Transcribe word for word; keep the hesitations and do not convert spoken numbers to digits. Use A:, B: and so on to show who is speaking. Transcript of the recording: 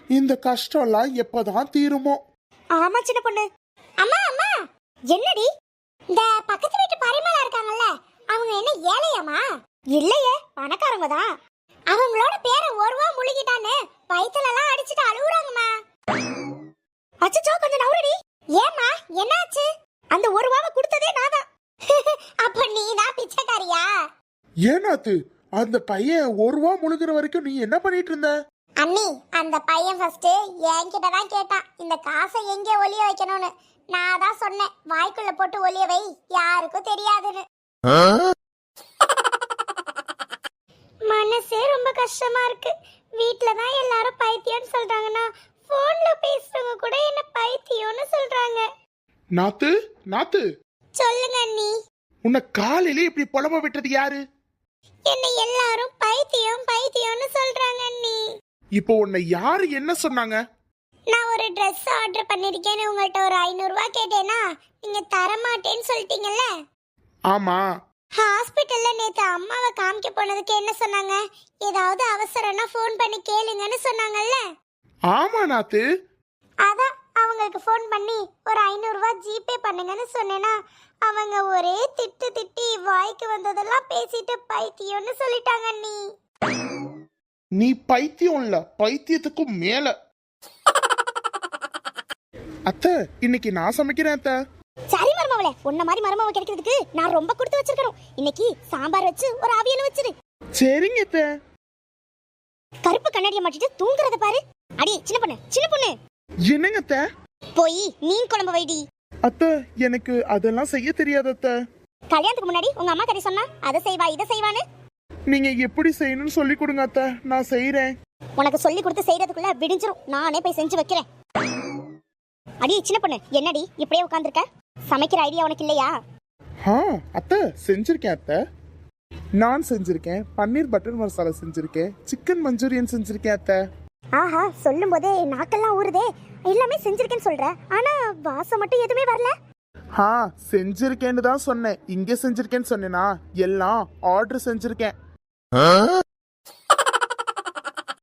A: இந்த கஷ்டம்லாம் எப்பதான் தீருமோ?
B: ஆமா சின்ன பொண்ணு. அம்மா அம்மா, என்னடி இந்த பக்கத்து வீட்டு பரிமளா இருக்காங்கல்ல, அவங்க என்ன ஏழையாமா? இல்லையே, பணக்காரங்க தான். அவங்களோட பேரை ஒருவா முழுகிட்டானே வயித்துல எல்லாம் அடிச்சிட்டு அழுகுறாங்கம்மா. அச்சச்சோ, கொஞ்சம் நவுறடி. ஏம்மா, என்னாச்சு? அந்த ஒரு ரூபாவை கொடுத்ததே நான் தான். அப்ப நீ தான் பிச்சைக்காரியா?
A: ஏனாத்து, அந்த பையன் ஒரு ரூபா முழுகிற வரைக்கும் நீ என்ன பண்ணிட்டு இருந்த?
B: அண்ணி, அந்த பையன் ஃபர்ஸ்ட் என்கிட்ட தான் கேட்டான் இந்த காசை எங்கே ஒளிய வைக்கணும்னு. நான் தான் சொன்னேன், வாய்க்குள்ள போட்டு ஒளிய வை, யாருக்கும் தெரியாதுன்னு. மனசே ரொம்ப கஷ்டமா இருக்கு. வீட்ல தான் எல்லாரும் பைத்தியம்னு சொல்றாங்கன்னா, போன்ல பேசுறவங்க கூட என்ன பைத்தியம்னு சொல்றாங்க.
A: நாத்து, நாத்து,
B: சொல்லுங்க அண்ணி.
A: உன்னை காலையில இப்படி புலம்ப விட்டது யாரு?
B: என்ன எல்லாரும் பைத்தியம் பைத்தியம்னு சொல்றாங்க அண்ணி.
A: இப்போ உன்னை யாரு என்ன சொன்னாங்க?
B: நான் ஒரு Dress ஆர்டர் பண்ணிருக்கேன்னு உங்கள்ட்ட ஒரு ஐநூறு ரூபாய் கேட்டேனா, நீங்க தர மாட்டேன்னு சொல்லிட்டீங்கல்ல.
A: ஆமா.
B: ஹாஸ்பிட்டல்ல நேத்து அம்மாவை காமிக்க போனதுக்கு என்ன சொன்னாங்க? ஏதாவது அவசரம்னா ஃபோன் பண்ணி கேளுங்கன்னு சொன்னாங்கல்ல.
A: ஆமா நாத்து.
B: அதான் அவங்களுக்கு ஃபோன் பண்ணி ஒரு ஐநூறு ரூபாய் ஜிபே பண்ணுங்கன்னு சொன்னேனா, அவங்க ஒரே திட்டு திட்டி வாய்க்கு வந்ததெல்லாம் பேசிட்டு பைத்தியம்னு சொல்லிட்டாங்க நீ.
A: நீ பைத்தியம் இல்ல, பைத்தியத்துக்கும் மேல. அத்தை, இன்னைக்கு நான் சமைக்கிறேன் அத்தை.
B: சரி மருமவளே, உன்ன மாதிரி மருமவ கிடைக்கிறதுக்கு நான் ரொம்ப கொடுத்து வச்சிருக்கேன். இன்னைக்கு சாம்பார் வச்சு ஒரு அவியல் வச்சிரு.
A: சரிங்க அத்தை.
B: கருப்பு கண்ணாடியை மாட்டிட்டு தூங்குறத பாரு. அடி சின்ன பொண்ணு, சின்ன பொண்ணு.
A: என்னங்க அத்தை?
B: போய் மீன் குழம்பு வைடி.
A: அத்தை, எனக்கு அதெல்லாம் செய்ய தெரியாது அத்தை.
B: கல்யாணத்துக்கு முன்னாடி உங்க அம்மா கறி சொன்னா அதை செய்வா இதை செய்வான்னு.
A: நீங்க எப்படி செய்யணும்னு சொல்லி கொடுங்க அத்தை, நான் செய்யறேன்.
B: உனக்கு சொல்லி கொடுத்து செய்யறதுக்குள்ள விடிஞ்சிரும். நானே போய் செஞ்சு வைக்கிறேன். அடி சின்ன பொண்ணு, என்னடி இப்படியே உட்கார்ந்திருக்க? சமைக்கிற ஐடியா உனக்கு இல்லையா?
A: ஆ அத்தை, செஞ்சிருக்கேன் அத்தை. நான் செஞ்சிருக்கேன், பன்னீர் பட்டர் மசாலா செஞ்சிருக்கேன், சிக்கன் மஞ்சூரியன் செஞ்சிருக்கேன் அத்தை.
B: ஆஹா, சொல்லும் போதே நாக்கெல்லாம் ஊறுதே. எல்லாமே செஞ்சிருக்கேன்னு சொல்ற, ஆனா வாசம் மட்டும் எதுவுமே வரல.
A: ஆ செஞ்சிருக்கேன்னு தான் சொன்னேன். இங்க செஞ்சிருக்கேன்னு சொன்னேனா? எல்லாம் ஆர்டர் செஞ்சிருக்கேன்.